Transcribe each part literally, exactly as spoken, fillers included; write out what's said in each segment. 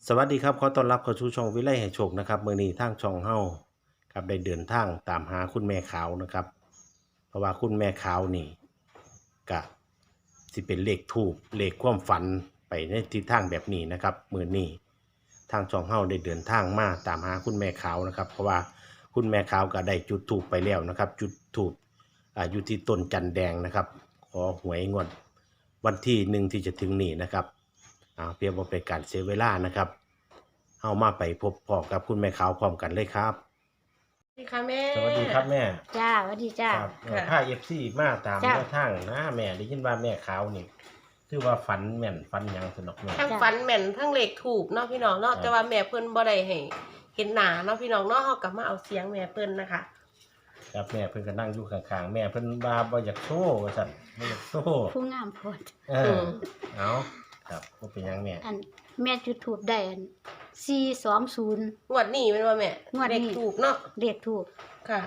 สวัสดีครับขอต้อนรับเข้าสู่ช่องวิไลให้โชคนะครับมื้อนี้ทางช่องเฮาครับได้เดินทางตามหาคุณแม่ขาวนะครับเพราะว่าคุณแม่ขาวนี่ก็สิเป็นเลขทูปเลขความฝันไปในทิศทางแบบนี้นะครับมื้อนี้ทางช่องเฮาได้เดินทางมาตามหาคุณแม่ขาวนะครับเพราะว่าคุณแม่ขาวก็ได้จุดธูปไปแล้วนะครับจุดธูปอ่าอยู่ที่ต้นจันแดงนะครับขอหวยงวดวันที่หนึ่งที่จะถึงนี้นะครับอ่าเพื่อบ่เป็นการเสียเวลานะครับ เอามาไปพบพ่อกับคุณแม่ขาวพร้อมกันเลยครับสวัสดีค่ะแม่สวัสดีครับแม่จ้าสวัสดีจ้าครับค่ะผ้าเอฟซีมาตามจ้ะแนวทางนะแม่ได้ยินว่าแม่ขาวนี่คือว่าฝันแม่นฝันหยังสนอกแม่ทั้งฝันแม่นทั้งเลขถูกเนาะพี่น้องเนาะครับแต่ว่าแม่เพิ่นบ่ได้ให้เห็นหน้าเนาะพี่น้องเนาะเฮากลับมาเอาเสียงแม่เพิ่นนะคะครับแม่เพิ่นก็นั่งอยู่ข้างๆแม่เพิ่นว่าบ่อยากโชว์ว่าซั่นบ่อยากโชว์ผู้งามโพดเออเอาครับบ่เป็นหยังแม่อันแม่จุดถูกได้อันสี่สองศูนย์งวดนี้แม่นว่าแม่งวดนี้เลขถูกเนาะเรียกถูกค่ะ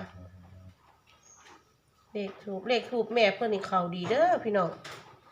เลขถูกเลขถูกแม่เพิ่นนี่เข้าดีเด้อพี่น้อง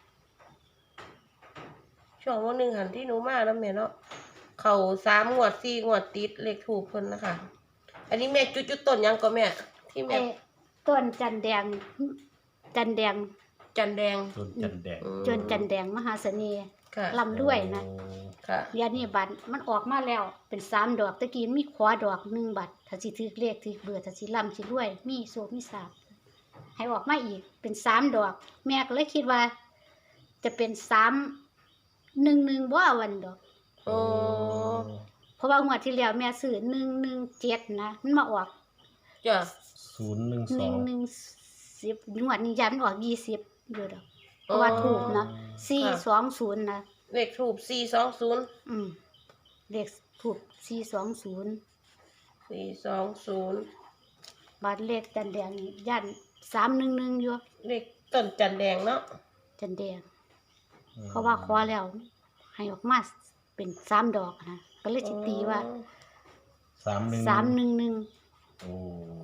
ช่วงวันหนึงหันที่หนูมาแล้วแม่เนาะเข้าสามงวดสี่งวดติดเลขถูกเพิ่นนะคะ อันนี้แม่จุดจุดต้นหยังก็แม่ ที่แม่ไอ้ต้นจันแดง จันแดงจันแดงต้นจันแดงอืมจนจันแดงมหาเสน่ห์ค่ะลำด้วยนะโอ้ค่ะยานี่บัตรมันออกมาแล้ว เป็นสามดอกตะกี้มีขวาดอกหนึ่งบัตรถ้าสิถือเลขถือเบอร์ถ้าสิลำสิรวย มีโซมีสาบให้ออกมาอีกเป็นสามดอก แม่ก็เลยคิดว่า จะเป็นสามหนึ่งหนึ่งบ่วันดอกโอ้เพราะว่างวดที่แล้วแม่ซื้อหนึ่งหนึ่งเจ็ดนะมันมาออกจ้ะศูนย์หนึ่งหสอนึ่งงหนึ่งสิบงวดนี้ยันออกยี่สิบอยู่ดอกเพราะว่าถูกนะสี่สองศูนย์นะเลขถูกสี่สองศูนย์อืมเลขถูกสี่สองศูนย์สี่สองศูนย์บาทเลขจันแดงนี่ยันสามหนึ่งหนึ่งอยู่เลขต้นจันแดงเนาะจันแดงเพราะว่าคอแล้ว ให้ออกมาเป็นสามดอกนะก็เลยจิตีว่าสามหนึ่งสามหนึ่งหนึ่งโอ้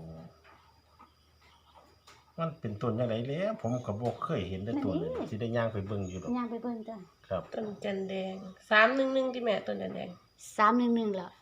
มันเป็นต้นยังไงแล้วผมก็บ่เคยเห็นได้ตัวเลยสิได้ย่างไปเบิ่งอยู่ดอกย่างไปเบิ่งจ้ะครับต้นจันแดงสามหนึ่งหนึ่งที่แม่ต้นจันแดงสามหนึ่งหนึ่งแล้ว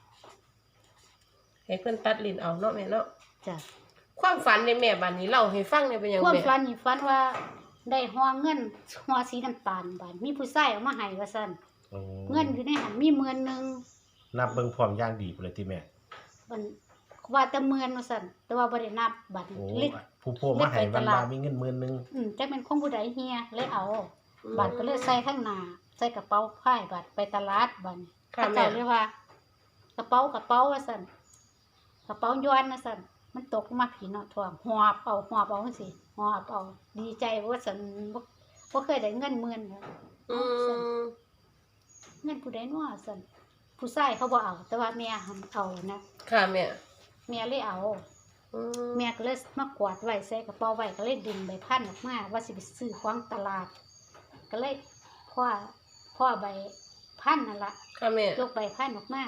ให้เพื่อนตัดลิ้นเอาเนาะแม่เนาะจ้ะความฝันในแม่บัดนี้เล่าให้ฟังเนี่ยเป็นหยังความแม่ฝันนี่ฝันว่าได้ห่อเงินห่อสีน้ำตาลบาดมีผู้ชายเอามาให้ว่าซั่นโอ้เงินอยู่ในหันมีหมื่นหนึงนับเบิ่งพร้อมอย่างดีพุ่นเลยที่แม่มันว่าแต่หมื่นว่าซั่นแต่ว่าบ่ได้นับบัดโอ้เล็กผู้โพมาให้เล็กไปวันตลาลาดมีเงินหมื่นหนึงอืมจักเป็นของผู้ใดเฮียเลยเอาบัดก็เลยใส่ข้างหน้าใส่กระเป๋าผ้ายบัดไปตลาดบัดค่ะเขาแม่เจ้าเรียกว่า กระเป๋ากระเป๋าว่าซั่นกระเป๋าย้อนว่าซั่นมันตกลงมาผีเนาะท่วงหอบเอาหอบเอาจังซี่หอบเอาดีใจว่าซั่นบ่บ่เคยได้เงินหมื่นเนาะอืมเงินผู้ใดน้อสั่นผู้ชายเขาบ่เอา แต่ว่าแม่หันเอานะค่ะแม่แม่เลยเอาอืมแม่ก็เลยมากวาดไว้ใส่กระเป๋าไว้ก็เลยดึงใบพันออกมาว่าสิไปซื้อของตลาด ก็เลยพ่อพ่อใบพันนั่นละค่ะแม่ยกใบพันออกมา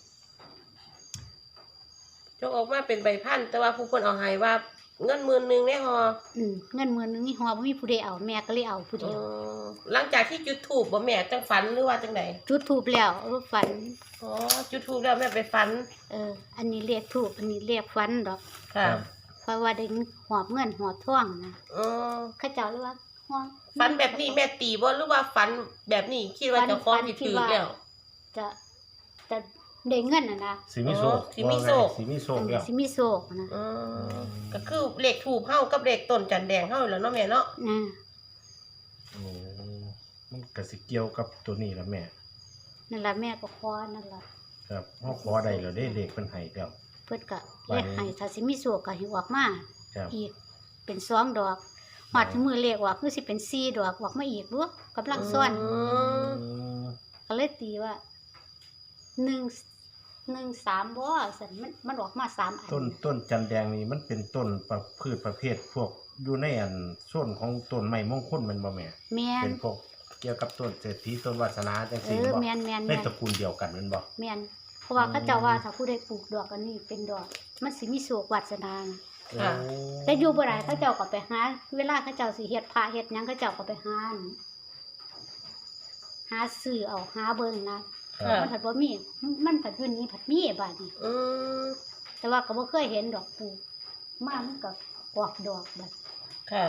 จกออกมาเป็นใบพันธุ์แต่ว่าผู้คนเอาให้ว่าเงินหมื่นหนึ่งได้ฮออืมเงินหมื่นหนึงนี่ฮอบ่มีผู้ใดเอาแม่ก็เลยเอาผู้อืเดียวมหลังจากที่จุดถูกบ่แม่จังฝันหรือว่าจังไดจุดทูบแล้วรูปฝันอ๋อจุดถูกแล้วแม่ไปฝันเออ อันนี้เรียกทูบอันนี้เรียกฝันดอกค่ะเพราะว่าได้หอบเงินหอบทองนะอ๋อเขาเจ้าเลยว่าหอบฝันแบบนี้แม่ตีบ่หรือว่าฝันแบบนี้คิดว่าเจ้าของสิถือแล้วจะจะได้เงินน่ะนะสิมีโชคอ๋อสิมีโชคว่าไงสิมีโชคอันแล้นี้วสิมีโศกนะอืมก็คือเลขถูกเฮากับเลขต้นจันแดงเฮาแล้วเนาะแม่เนาะนะโอ้มันก็สิเกี่ยวกับตัวนี้ล่ะแม่นั่นล่ะแม่ก็ขอนั่นล่ะครับเฮาขอได้แล้วเด้เลขเพิ่นให้แล้วเพิ่นก็ว่าเลขให้ถ้าสิมีโศกก็ให้ออกมาครับอีกเป็นสองดอกฮอดมือเลขออกคือสิเป็นสี่ดอกออกมาอีกบ่กำลังซ่อนอืมอืมก็เลยตีว่าหนึ่ง หนึ่ง สามบ่ซั่นมันมันออกมาสามอันต้นต้นจันแดงนี่มันเป็นต้นประพืชประเภทพวกอยู่ในอันส่วนของต้นไม้มงคลแมันบ่แม่แม่นเป็นพวกเกี่ยวกับต้นเศรษฐีต้นวาสนาจังเอซี่อบ่แม่นแม่นในแม่นตระกูลเดียวกันแม่นบ่แม่นเพราะว่าอืมเขาเจ้าว่าถ้าผู้ใดปลูกดอกอันนี้เป็นดอก มันสิมีโศกวาสนานะค่ะโอ้แต่อยู่บ่ได้เขาเจ้าก็ไปหาเวลาเขาเจ้าสิเฮ็ดพระเฮ็ดหยังเขาเจ้าก็ไปหาอั่นหาซื้อเอาหาเบิ่งนะครับมันผัดบ่มีมันผัดอยู่นี้ผัดมีบาดนี้อืมแต่ว่าก็บ่เคยเห็นดอกปลูกมามันก็ออกดอกบัดค่ะ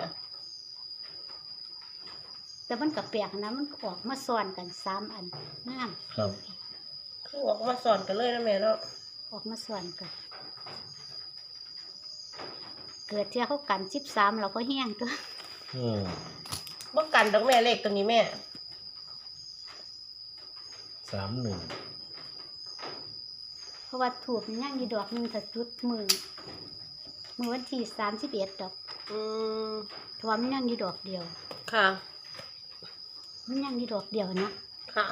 แต่มันก็แปลกนะมันก็ออกมาซ้อนกันสามอันงามครับคือออกมาสอนกันเลยนะแม่เนาะออกมาซ้อนกัน เกิดเที่ยเขากันสิบสามเราก็แห้งตัวอืมบ่กันดอกแม่เลขตัวนี้แม่สามหนึ่งเพราะว่าถูกมันย่างอยู่ดอกหนึงถ้าจุดมือมือวันที่สามสิบเอ็ดดอกอืมเพราะว่ามันย่างอยู่ดอกเดียวค่ะมันย่างอยู่ดอกเดียวเนาะค่ะ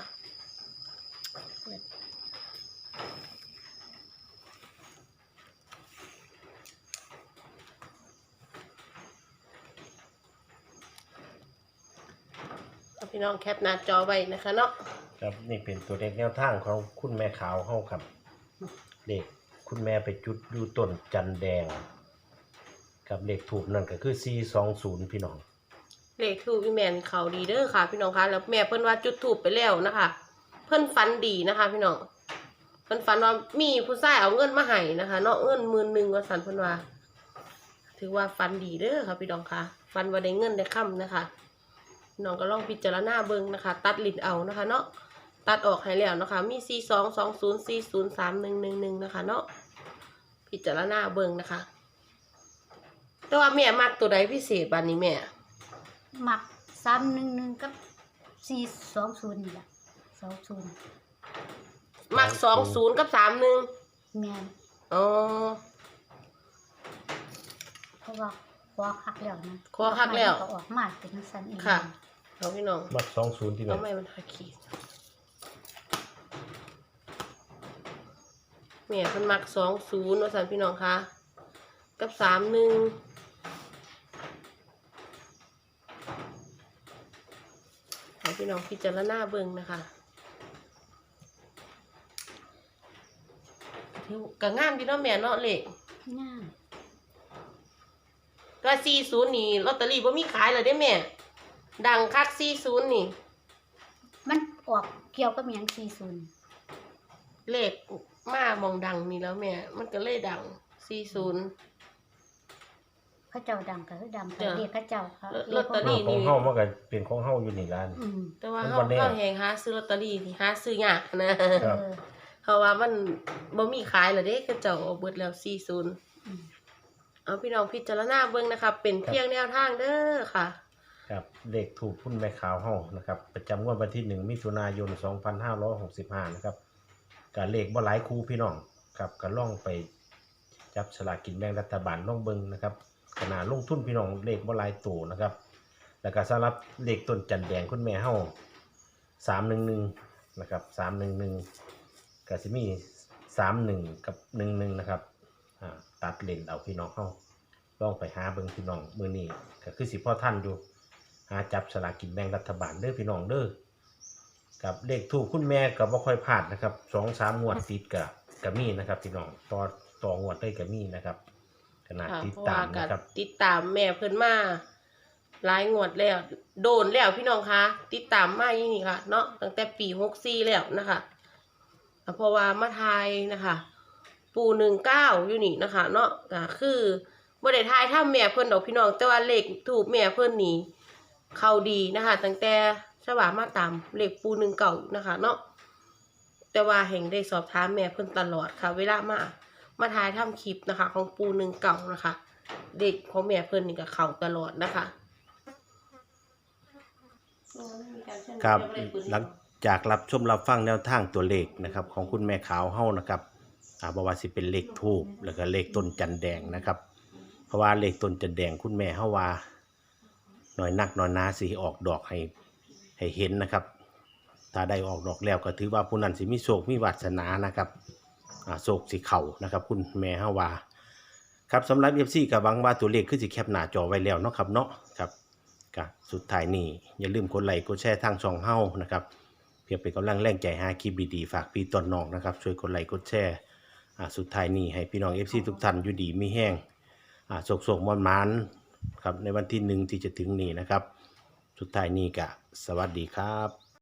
เอาพี่น้องแคปหน้าจอไว้นะคะเนาะครับนี่เป็นตัวเลขแนวทางของคุณแม่ขาวเฮาครับเด็กคุณแม่ไปจุดอยู่ต้นจันแดงกับเลขถูกนั่นก็คือสี่สองศูนย์พี่น้องเลขทูปพี่แมนเขาดีเด้อค่ะ พี่น้องคะแล้วแม่เพิ่นว่าจุดถูปไปแล้วนะคะ เพิ่นฝันดีนะคะ พี่น้องเพิ่นฝันว่ามีผู้ชายเอาเงินมาให้นะคะ เนาะเงินหมื่นหนึ่งว่าสันเพิ่นว่า ถือว่าฝันดีเด้อค่ะ พี่น้องคะฝันว่าได้เงินได้ค่ำนะคะพี่น้องก็ลองพิจารณาเบิ่งนะคะ ตัดลิ้นเอานะคะ เนาะตัดออกให้แล้วนะคะ มีสี่สองสองศูนย์สี่ศูนย์สามหนึ่งหนึ่งหนึ่งนะคะ เนาะพิจารณาเบิ่งนะคะ แต่ว่าแม่มักตัวใดพิเศษบานนี้แม่หมักสามหนึ่งหนึ่งกับสี่สองศูนย์นี่แหละสองศูนย์มักสองศูนย์กับสามหนึ่งแม่นอ๋อเพราะว่าคอหักแล้วนะคอหักแล้วก็ออกมาเป็นจังซั่นเองค่ะเอาพี่น้องมักสองศูนย์ที่ไหนเอาไม่มันหักขีดแม่เพิ่นมักสองศูนย์ว่าสันพี่น้องคะกับสามหนึ่งให้พี่น้องพิจารณาเบิ่งนะคะถือก็งามดีเนาะแม่เนาะเลขง่ายก็สี่ศูนย์นี่ลอตเตอรี่บ่มีขายเลยเด้แม่ ดังคักสี่ศูนย์นี่มันออกเกี่ยวกับหยังสี่ศูนย์เลขมามองดังนี่แล้วแม่ มันก็เลยดังสี่ศูนย์เขาเจ้าดังก็คือดังจ้ะเรียกเขาเจ้าค่ะลอตเตอรี่ของเฮามันก็เป็นของเฮาอยู่นี่ร้านอืมแต่ว่ามันเฮาบ่แน่เฮาแฮงหาซื้อลอตเตอรี่ที่หาซื้อยากนะครับเออเพราะว่ามันบ่มีขายแล้วเด้คือเจ้าเอาเบิดแล้วสี่ศูนย์อืมเอาพี่น้องพิจารณาเบิ่งนะคะ เป็นเพียงแนวทางเด้อค่ะครับเลขถูกคุณแม่ขาวเฮานะครับประจำงวดวันที่หนึ่งมิถุนายนสองพันห้าร้อยหกสิบห้านะครับการเลขบ่หลายคู่พี่น้องครับก็ล่องไปจับสลากกินแบ่งรัฐบาลล่องเบิ่งนะครับขนาดลงทุนพี่น้องเลขบ่หลายตัวนะครับแล้วก็สำหรับเลขต้นจันแดงคุณแม่เฮาสามหนึ่งหนึ่งนะครับสามหนึ่งหนึ่งก็สิมีสามหนึ่งกับหนึ่งหนึ่งนะครับอ่าตัดเลนเอาพี่น้องเฮาลองไปหาเบิ่งพี่น้องมื้อนี้ก็คือสิพ่อท่านอยู่หาจับสลากกินแบ่งรัฐบาลเด้อพี่น้องเด้อกับเลขถูกคุณแม่ก็บ่ค่อยพลาดนะครับสองสามงวดติดก็ก็มีนะครับพี่น้องต่อต่องวดได้ก็มีนะครับขนาดค่ะติดเพราะตาว่าม ก็นะครับติดตามแม่เพิ่นมาหลายงวดแล้ว โดนแล้วพี่น้องคะติดตามมาอย่างนี้ค่ะ เนาะตั้งแต่ปีหกสี่แล้วนะคะเพราะว่ามาทายนะคะ ปูหนึ่งเก้าอยู่นี่นะคะ เนาะก็คือบ่ได้ทายถ้าแม่เพิ่นดอกพี่น้องแต่ว่าเลขถูกแม่เพิ่นนี่เข้าดีนะคะ ตั้งแต่ฉบับมาตามเลขปูหนึ่งเก้านะคะ เนาะแต่ว่าแห่งได้สอบถามแม่เพิ่นตลอดค่ะ เวลามามาทายทำคลิปนะคะ ของปูหนึ่งเก่านะคะ เด็กของแม่เพิ่นนี่ก็เข้าตลอดนะคะครับหลังจากรับชมรับฟังแนวทางตัวเลขนะครับของคุณแม่ขาวเฮานะครับอ่าบ่ว่าสิเป็นเลขทูบแล้วก็เลขต้นจันแดงนะครับ เพราะว่าเลขต้นจันแดงคุณแม่เฮาว่าหน่อยนักหน่อยหนาสิออกดอกให้ให้เห็นนะครับ ถ้าได้ออกดอกแล้วก็ถือว่าผู้นั้นสิมีโชคมีวาสนานะครับอ่าโชคสิเข้านะครับคุณแม่เฮาว่าครับสำหรับ เอฟ ซี ก็หวังว่าตัวเลขคือสิแคปหน้าจอไว้แล้วเนาะครับเนาะครับก็สุดท้ายนี้อย่าลืมกดไลค์กดแชร์ทางช่องเฮานะครับเพื่อเป็นกำลังแรงใจหาคลิปดีๆฝากพี่ต้นน้องนะครับช่วยกดไลค์กดแชร์อ่าสุดท้ายนี้ให้พี่น้อง เอฟ ซี ทุกท่านอยู่ดีมีแห้งอ่าโศกๆมอนๆครับในวันที่หนึ่งที่จะถึงนี้นะครับสุดท้ายนี้ก็สวัสดีครับ